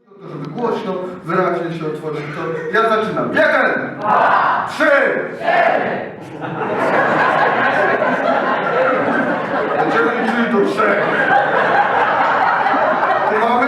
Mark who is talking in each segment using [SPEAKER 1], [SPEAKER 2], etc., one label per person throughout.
[SPEAKER 1] Żeby głośno, wyraźnie się otworzyć, to ja zaczynam. 1, 2, 3, 4. Będziemy liczyli do 3. Tu mamy?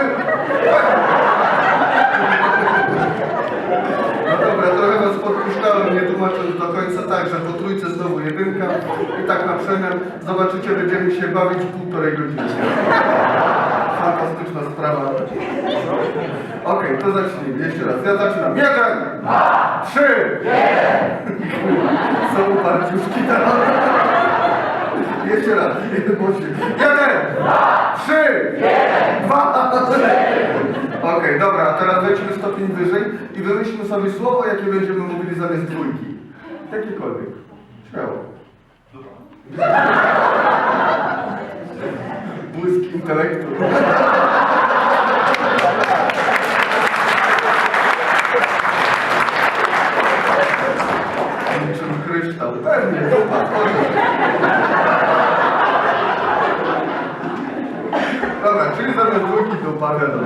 [SPEAKER 1] No dobra, trochę was podpuszczałem, nie tłumacząc do końca tak, że po trójce znowu jedynka i tak na przemian zobaczycie, będziemy się bawić 1,5 godziny. Fantastyczna sprawa. Okej, to zacznijmy. Jeszcze raz. Ja zaczynam. 1, 2, 3, 1. Są uparciuszki teraz. Jeszcze raz. 1, 2, 3, 1, 2, 3. Okej, dobra, a teraz wejdźmy stopień wyżej i wymyślmy sobie słowo, jakie będziemy mówili zamiast dwójki. Jakiekolwiek. Śmiało. Błysk intelektu. Niczym kryształ. Pewnie, dupa, dobra, czyli zamiast dwójki dupa, wiadomo.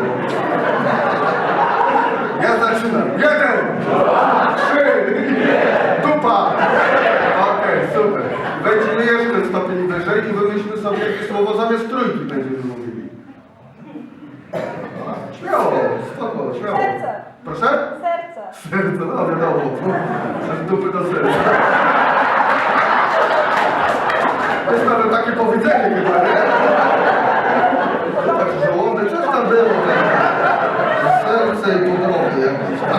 [SPEAKER 1] Ja zaczynam. 1, 2, 3, dupa. Okej, super. Wejdźmy jeszcze stopień wyżej i wymyślmy sobie, jakie słowo zamiast trójki będziemy mówili. Śmiało, spoko, śmiało.
[SPEAKER 2] Serce.
[SPEAKER 1] Proszę?
[SPEAKER 2] Serce.
[SPEAKER 1] Serce, no wiadomo. Przez dupy do serca. To jest nawet takie powiedzenie chyba, nie? Tak żołądek, coś tam było. Serce i podroby jakieś tam.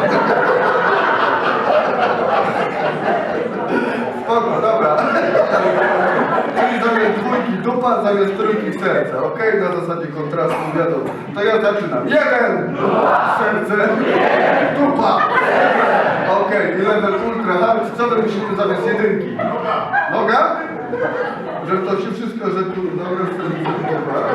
[SPEAKER 1] Spoko, dobra. Czyli zamiast dwójki dupa, zamiast trójki serce. Okej, na zasadzie kontrastu wiadomo. To ja zaczynam. 1, serce, dupa. Okej, i level ultra hard. Co my musimy zamiast jedynki? Noga? Że to się wszystko, że tu noga serce,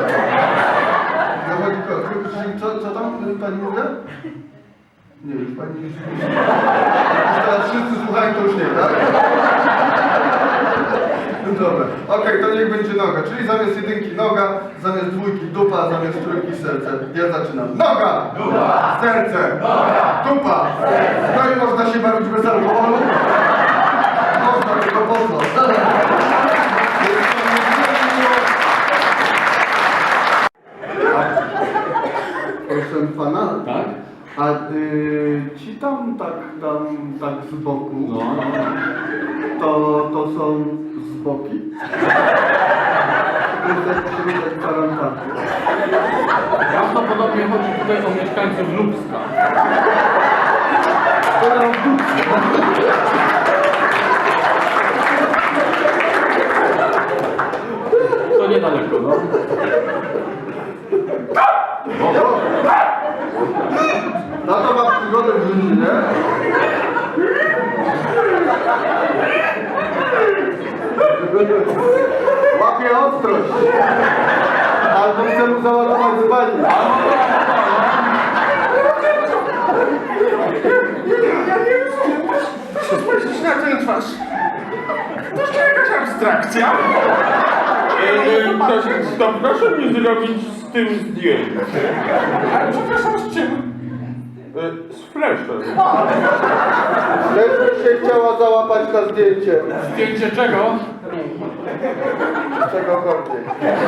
[SPEAKER 1] co tam pani mówi? Nie, już pani już teraz wszyscy słuchają, to już nie, tak? Dobra, okej, to niech będzie noga, czyli zamiast jedynki noga, zamiast dwójki dupa, zamiast trójki serce. Ja zaczynam. Noga! Dupa! Serce! Noga! Dupa! Serce! No i można się bawić bez alkoholu? Można, tylko po co? Proszę pana?
[SPEAKER 3] Tak?
[SPEAKER 1] A ci tam tak z boku,
[SPEAKER 3] No.
[SPEAKER 1] to są z boki? To jest środek kwarantanny.
[SPEAKER 3] Prawdopodobnie chodzi tutaj o mieszkańców Lubska. To niedaleko, no.
[SPEAKER 1] No to ma przygodę w życiu, nie? Łapie ostrość. Albo chce mu załadować z bani.
[SPEAKER 4] Ja nie rozumiem. Proszę spojrzeć na tę twarz. To jest jakaś abstrakcja.
[SPEAKER 3] To proszę mi zrobić z tym zdjęcie.
[SPEAKER 4] Ale przepraszam, z czym?
[SPEAKER 3] Z fleszem.
[SPEAKER 1] Też by się chciała załapać na zdjęcie.
[SPEAKER 3] Zdjęcie czego?
[SPEAKER 1] Czegokolwiek.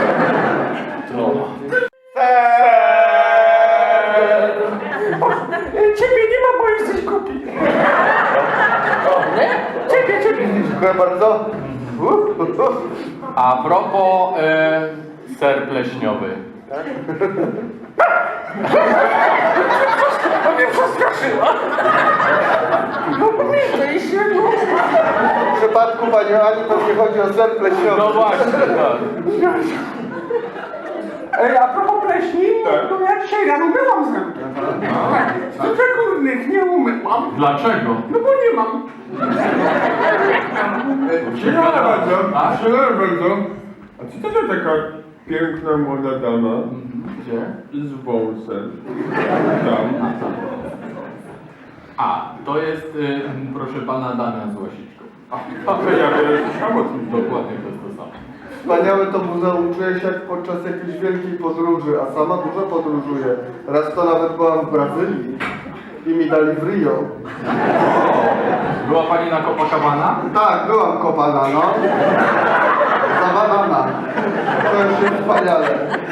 [SPEAKER 4] Ciebie nie ma, bo jesteś głupi. Ciebie.
[SPEAKER 1] Dziękuję bardzo.
[SPEAKER 3] A propos ser pleśniowy.
[SPEAKER 4] To mnie przestraszyła. No pomyślej się, no.
[SPEAKER 1] W przypadku pani Ani pewnie chodzi o ser pleśniowy.
[SPEAKER 3] No właśnie, tak.
[SPEAKER 4] A propos pleśni, to ja dzisiaj rano myłam zęby. Tak, z górnych nie umyłam.
[SPEAKER 3] Dlaczego?
[SPEAKER 4] No bo nie mam.
[SPEAKER 5] Dzień dobry bardzo.
[SPEAKER 3] A?
[SPEAKER 5] Dzień dobry bardzo. A co to za taka piękna młoda dama
[SPEAKER 3] Gdzie?
[SPEAKER 5] z wąsem? Tam.
[SPEAKER 3] A, to jest, proszę pana, Damian z Łasiczką.
[SPEAKER 5] A to ja wiem, słyszałem o tym.
[SPEAKER 3] Dokładnie to jest to samo.
[SPEAKER 1] Wspaniałe to muzeum. Czuję się jak podczas jakiejś wielkiej podróży, a sama dużo podróżuję. Raz to nawet byłam w Brazylii i mi dali w Rio.
[SPEAKER 3] Była pani na Copacabana?
[SPEAKER 1] Tak, byłam kopana, no. Za banana. To już jest wspaniale.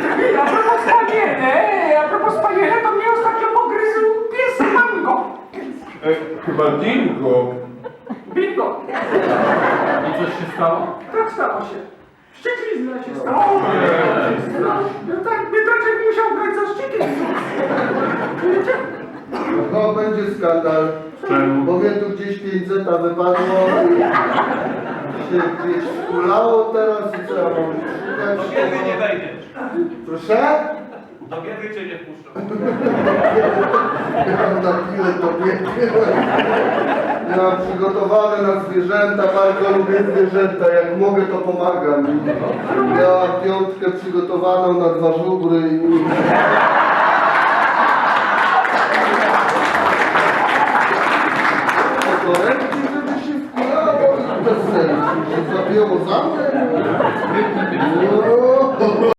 [SPEAKER 4] A propos spaniele, to mnie ostatnio pogryzł pies Mango.
[SPEAKER 5] Chyba dingo.
[SPEAKER 4] Bingo.
[SPEAKER 3] I coś się stało?
[SPEAKER 4] Tak stało się. Szczytlizna się stało. No tak, biedaczek musiał grać za szczytlizną. Wiecie?
[SPEAKER 1] No, będzie skandal.
[SPEAKER 3] Czemu?
[SPEAKER 1] Bo mnie tu gdzieś 500 wypadło. Się gdzieś skulało teraz i co ja mam
[SPEAKER 2] Do
[SPEAKER 1] szukać?
[SPEAKER 2] biedy nie wejdziesz.
[SPEAKER 1] Proszę?
[SPEAKER 2] Do biedy cię nie wpuszczą.
[SPEAKER 1] Ja mam na chwilę to biegnie. Ja mam przygotowane na zwierzęta, bardzo lubię zwierzęta. Jak mogę, to pomagam. Ja mam piątkę przygotowaną na 2 żubry i... Torebki, żeby się wkulało i bez sensu. Się zabiło za mnie. No.